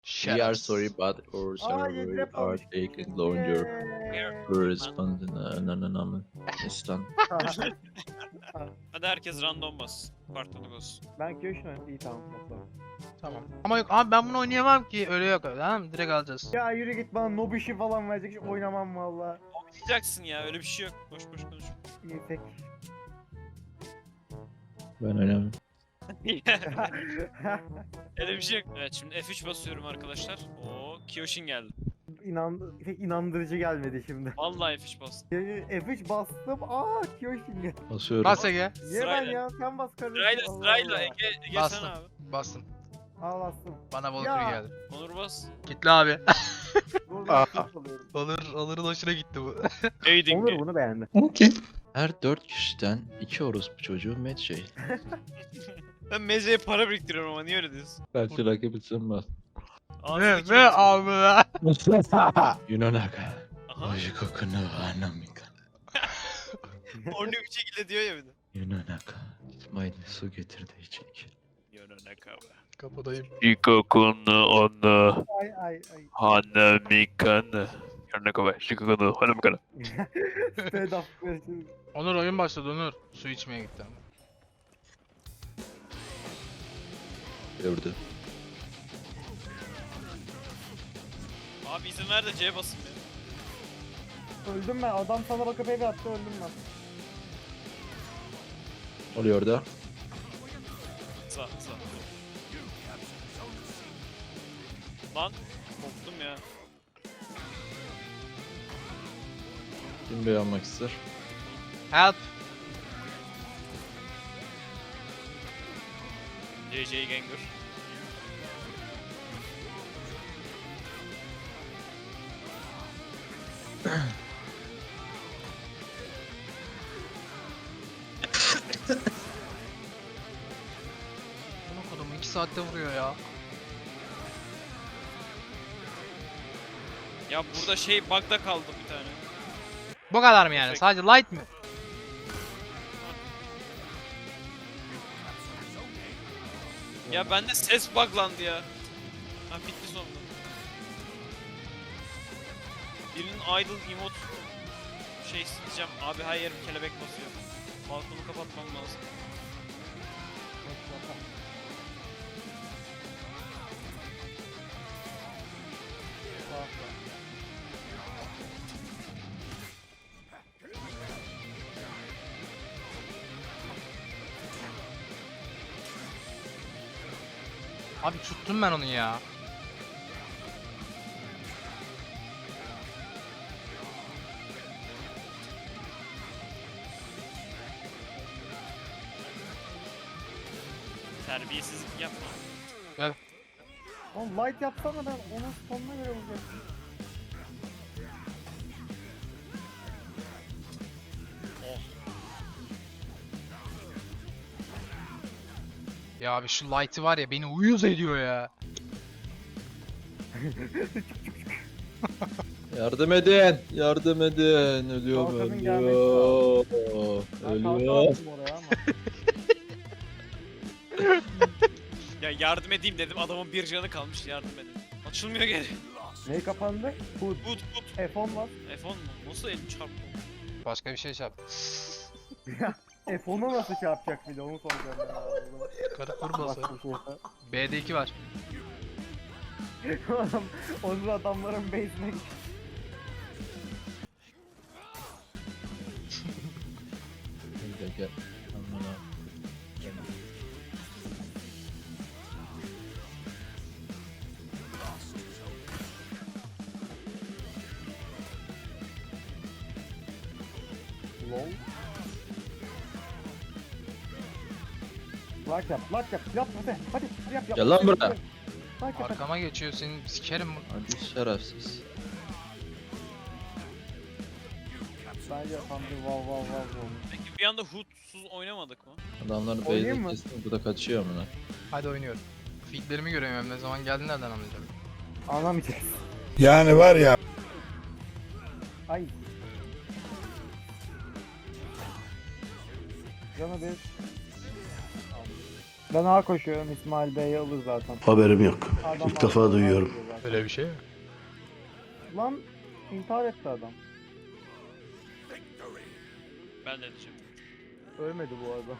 We are sorry but our server yedrep are almış. taking longer to respond in İstan. Hadi herkes random bas. Partonu bas. Ben Kyoshino. İyi tamam. Tamam. Ama yok abi ben bunu oynayamam ki. Öyle yok öyle. Tamam mı? Direkt alacağız. Ya yürü git bana nob işi falan verecek. Hiç oynamam valla. Oynayacaksın ya, öyle bir şey yok. Boş boş konuş. İyi tek. Ben önemli. Öyle bir şey yok. Evet, şimdi F3 basıyorum arkadaşlar. Oo, Kyoshin geldi. Pek inandırıcı gelmedi şimdi. Vallahi F3 bastım. F3 bastım. Kyoshino geldi. Basıyorum. Bas Ege. Niye ben Sırayla. ya? Sen bas kardeşim. Sırayla Allah sırayla Allah. Ege Bastım. sen abi. Bastım. Al bastım. Bana balık Ya. geldi. Onur bas. Gitti abi. Dur ben kurs alıyorum. Onur'un hoşuna gitti bu. Aiding. Onur bunu beğendi. Her 4 kişiden 2 orospu çocuğu Medjay. Ben mezeye para biriktiriyorum ama niye öyle diyorsun? Belki rakibitsin bas. Ağzındaki Ne abi ya? Yunanaka. Aha. Ojikoku no Hanamika. Ornu bir şekilde diyor ya bir de. Yunanaka. İsmail'in su getirdiği içecek. Yononaka be. Kapıdayım. Shikoku no onu Ay. hanamika ne? Yononaka be. Shikoku no hanamika ne? Stand up. Onur oyun başladı Onur. Su içmeye gitti ama. Gördü. Abi izin ver de C'ye basın ya. Öldüm ben. Adam sana bakıp eve attı öldüm ben. Oluyor da. Sağ. Lan korktum ya. Kim beğenmek ister? Help. JJ Gengar. Bunu kodum 2 saatte vuruyor ya. Ya burada şey bug'da kaldı bir tane. Bu kadar mı yani? Perfect. Sadece light mi? Ya bende ses buglandı ya. Ha bitti sonunda. Birinin idle emote şey isteyeceğim. Abi her yerim kelebek basıyor. Balkonu kapatmam lazım. Abi tuttum ben onu ya. Terbiyesizlik yapma. Oğlum light yapsana ben onun sonuna göre vuracaktım. Ya abi şu light'ı var ya beni uyuz ediyor ya. Yardım edin. Yardım edin. Ölüyorum. Kalkanın gelmesi Ölüyor. Ben kalkan Ölüyor. attım oraya ama. Ya yardım edeyim dedim, adamın bir canı kalmış, yardım edin. Açılmıyor geri. Neyi kapandı? Hood. Tut. F10 var. F10 mu? Nasıl elim çarptı? Başka bir şey yap. F10'a nasıl şey yapacak bir de onu soracağım ya. Karı kurması. Bak bir şey. B'de 2 var. Adam, onun adamların base'ine gitti. Gel. Aman ha. Lol. Like yap, yap hadi yap. Gel lan buraya. Like yap, hadi. Arkama geçiyor senin sikerim bu. Hadi şerefsiz. Bence yapan bir vav. Peki bir anda Hood'suz oynamadık mı? Adamların Oynayayım base'i mı? kestim. Bu da kaçıyor amına. Hadi oynuyorum. Feedlerimi göremiyorum ne zaman geldi nereden anlayacağım. Anlamayacağız. Yani var ya. Ay. Canı bir. Ben A koşuyorum. İsmail Bey'i alır zaten. Haberim yok. Adam İlk defa A duyuyorum. koşuyor zaten. Öyle bir şey mi? Lan intihar etti adam. Ben de edeceğim. Ölmedi bu arada.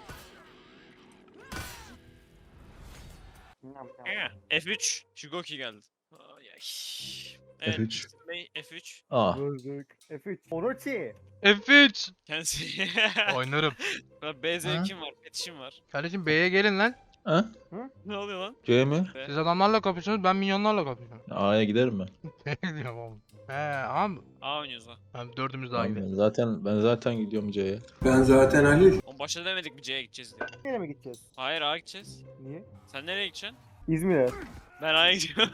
F3. Shigoki geldi. Ay, ay. Evet, F3. Bey, F3. Aa. Öldük. F3. Orochi. F3. Kendisi. Oynarım. B zevkim var, petişim var. Kardeşim B'ye gelin lan. Ha? Ne oluyor lan? C mi? Siz adamlarla kapışıyorsunuz, ben minyonlarla kapışıyorum. A'ya giderim ben. Ne diyorum oğlum? He ama A oynuyoruz ha. ben dördümüz daha Ben gidelim. zaten gidiyorum C'ye. Oğlum başta demedik mi C'ye gideceğiz diye. Nereye mi gideceğiz? Hayır A'ya gideceğiz. Niye? Sen nereye gideceksin? İzmir'e. Ben A'ya gidiyorum.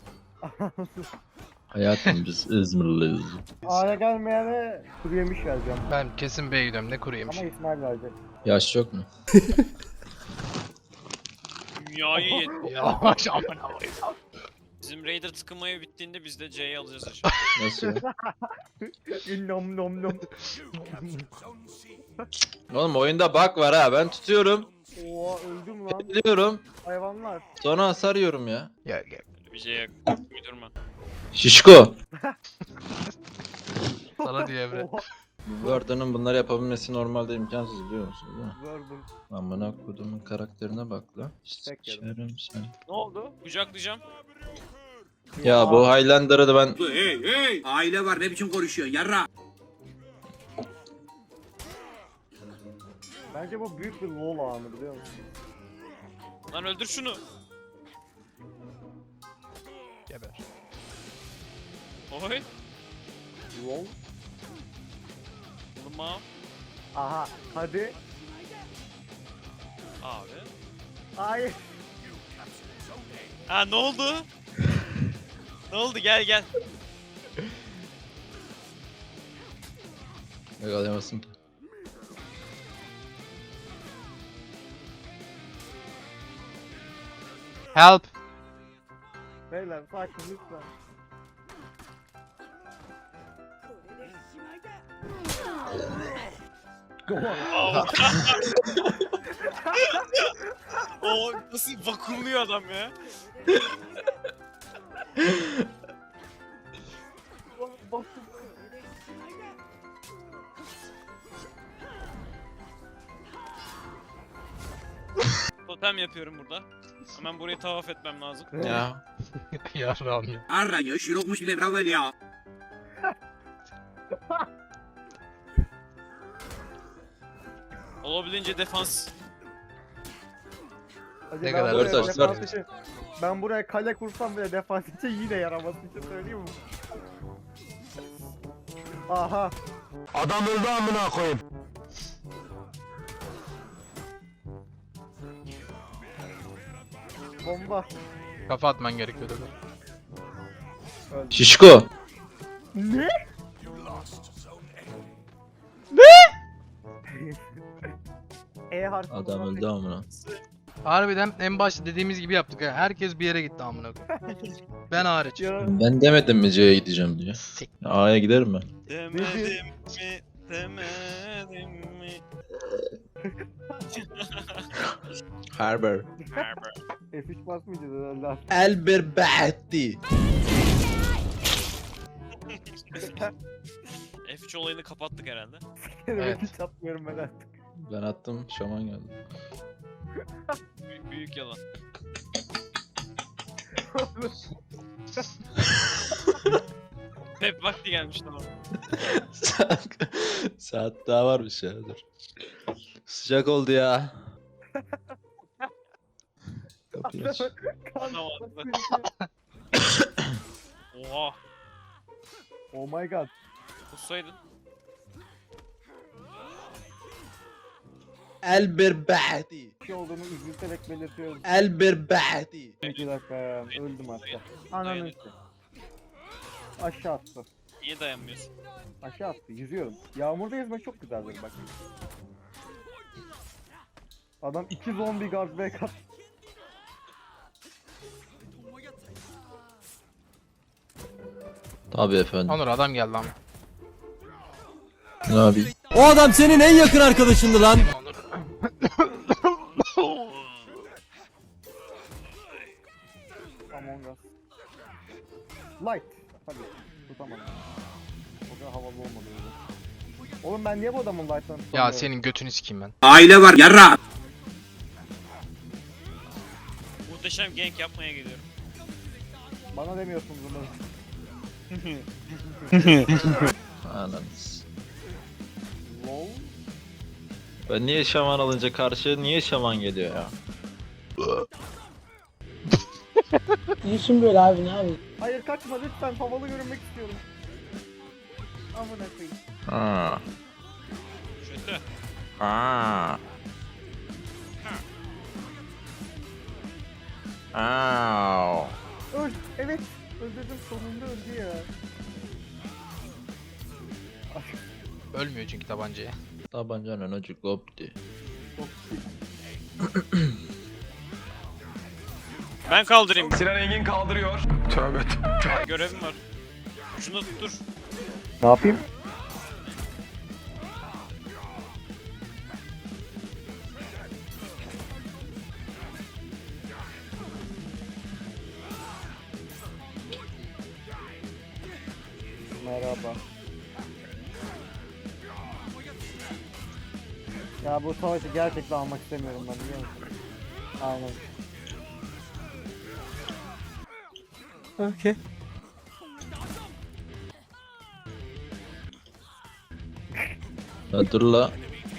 Hayatım biz İzmirliyiz. A'ya gelmeyene kuru yemiş vereceğim. Ben kesin B'ye gidiyorum, ne kuru yemiş. Ama İsmail verecek. Yaş yok mu? Dünyayı yet. Yavaş aman aman. Bizim Raider tıkınmayı bittiğinde biz de C'yi alacağız aşağı. Nasıl ya? Nom nom nom. Oğlum oyunda bug var ha. Ben tutuyorum. Oha öldüm lan. Biliyorum. Hayvanlar. Sonra hasar yiyorum ya. Gel gel. Öyle bir şey yok. Uydurma. Şişko. Sana diye Emre. Oha. Bu Worda'nın bunları yapabilmesi normalde imkansız biliyor musun değil mi? Gördüm. Amına kodumun karakterine bak lan. Tek yedim. Sikerim sen. Ne oldu? Kucaklayacağım. Ya bu Highlander'ı da ben... Hey hey! Aile var ne biçim konuşuyorsun yarra? Bence bu büyük bir lol anı biliyor musun? Lan öldür şunu. Geber. Oy. Lol. Vurma. Aha hadi. Abi. Hayır. Ha ne oldu? Ne oldu gel gel. Yakalayamazsın ki. Help. Beyler sakin lütfen. O nasıl vakumluyor adam ya. Totem yapıyorum burada. Hemen burayı tavaf etmem lazım. Ya. Yarrağım ya. Arranıyor şirokmuş bile bravo ya. Olabildiğince defans. Hadi Ne ben kadar? buraya Dört taş, defans dört. için- Ben buraya kale kursam bile defans için yine yaramaz bir şey söyleyeyim mi? Aha. Adam öldü amına koyayım. Bomba. Kafa atman gerekiyordu. Öldü. Şişko. Ne? E harfi. Adam öldü amına. Harbiden en başta dediğimiz gibi yaptık ha. Herkes bir yere gitti amına koyayım. Ben hariç. Ya. Ben demedim mi C'ye gideceğim diye. Sik. A'ya giderim ben. Demedim mi? Demedim mi? Harber. F3 basmayacağız herhalde. Elber Bahti. F3 olayını kapattık herhalde. Evet. Hiç atmıyorum ben artık. Ben attım, şaman geldi. Büyük büyük yalan. Hep vakti gelmiş tamam. Saat daha varmış ya, dur. Sıcak oldu ya. Kapıyı aç. Adam attı. Oha. Oh my god. Kussaydın. Elber Bahti. Bir şey olduğunu üzülterek belirtiyorum. Elber Bahti. 2 dakika ya. Öldüm hatta. Ananı işte. Aşağı attı. Niye dayanmıyorsun? Aşağı attı. Yüzüyorum. Yağmurda yüzmek çok güzeldir bak. Adam 2 zombi guard back attı. Tabii efendim. Onur adam geldi ama. Ne yapayım? O adam senin en yakın arkadaşındı lan. Onur. Light. Hadi. Tutamadım. O kadar havalı olmadı öyle. Oğlum ben niye bu adamın light'larını Ya tutamıyorum? senin götünü sikeyim ben. Aile var yarra. Muhteşem gank yapmaya geliyorum. Bana demiyorsunuz bunu. Ananız. Lol. Ben niye şaman alınca karşı niye şaman geliyor ya? Düşün böyle abi ne abi? Hayır kaçma lütfen havalı görünmek istiyorum. Amına koyayım. Aa. Kötü. Aa. Aa. Öl. Evet. Öldürdüm sonunda öldü ya. Ölmüyor çünkü tabancaya. Tabancanın ucu koptu. Çok Ben kaldırayım. Sinan Engin kaldırıyor. Tövbe. Görevim var. Şunu tuttur. Ne yapayım? Merhaba. Ya bu savaşı gerçekten almak istemiyorum ben biliyor musun? Aynen. Okey. Ya dur la.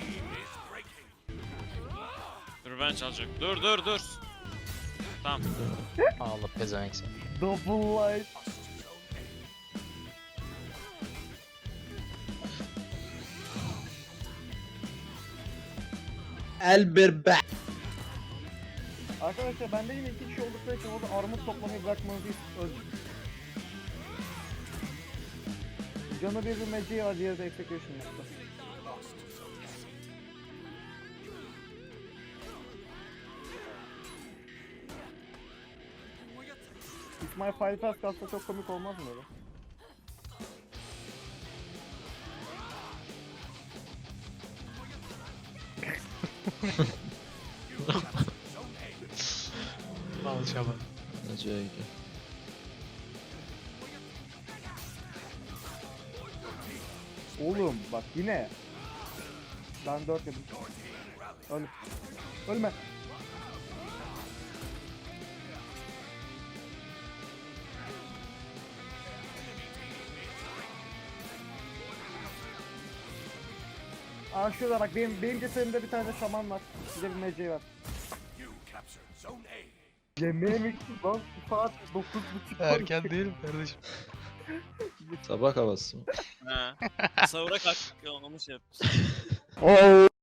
Dur ben çalacak. Dur. Tamam. Allah pezevenk seni. Double light. Elberbe. Arkadaşlar bende yine 2 kişi oldukları için orada armut toplamayı bırakmanızı öldüm. Canı bir magic var, diğeri de execution yaptı. İsmail Fire Pass kalsa çok komik olmaz mı öyle? Al şaban. Neceye gidiyor? Oğlum bak yine. Ben 4 yedim. Öl. Ölme. Aa şurada bak benim cesedimde bir tane şaman var. Bir de bir meceği var. Yemeğe mi gittin lan? Bu saat 9:30. Erken değil mi kardeşim? Sabah havası mı? Ha. Sahura kalk. Onu şey yap. Oo.